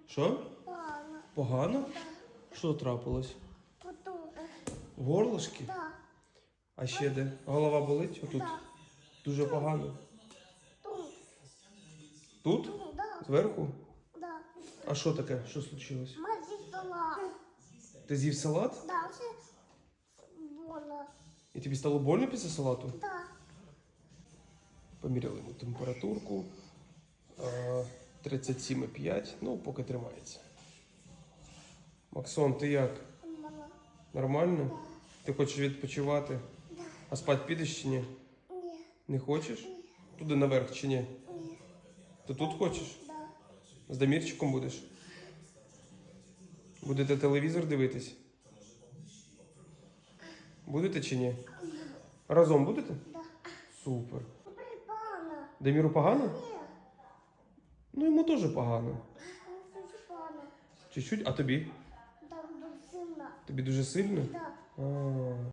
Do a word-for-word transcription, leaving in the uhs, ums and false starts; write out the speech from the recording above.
Що? Погано. Погано? Що трапилось? Потім. В горлышки? Да. А ще де? Голова болить? Отут? Да. Дуже погано. Тут. Тут? Тут, да. Зверху? Да. А що таке? Що случилось? Мазі салат. Ти з'їв салат? Да, це больно. І тобі стало больно після салату? Да. Поміряли йому температурку. А, тридцять сім і п'ять. Ну, поки тримається. Максон, ти як? Мама. Нормально? Ти хочеш відпочивати? Да. А спати підеш чи ні? Ні. Не хочеш? Туди наверх чи ні? Ні. Ти тут хочеш? Да. З Дамірчиком будеш? Будете телевізор дивитись? Будете чи ні? Разом будете? Да. Супер. Припана. Даміру погано? Ні. Ну йому теж погано. Припана. Чуть-чуть, а тобі? Да, до сина. Тобі дуже сильно? Да. А.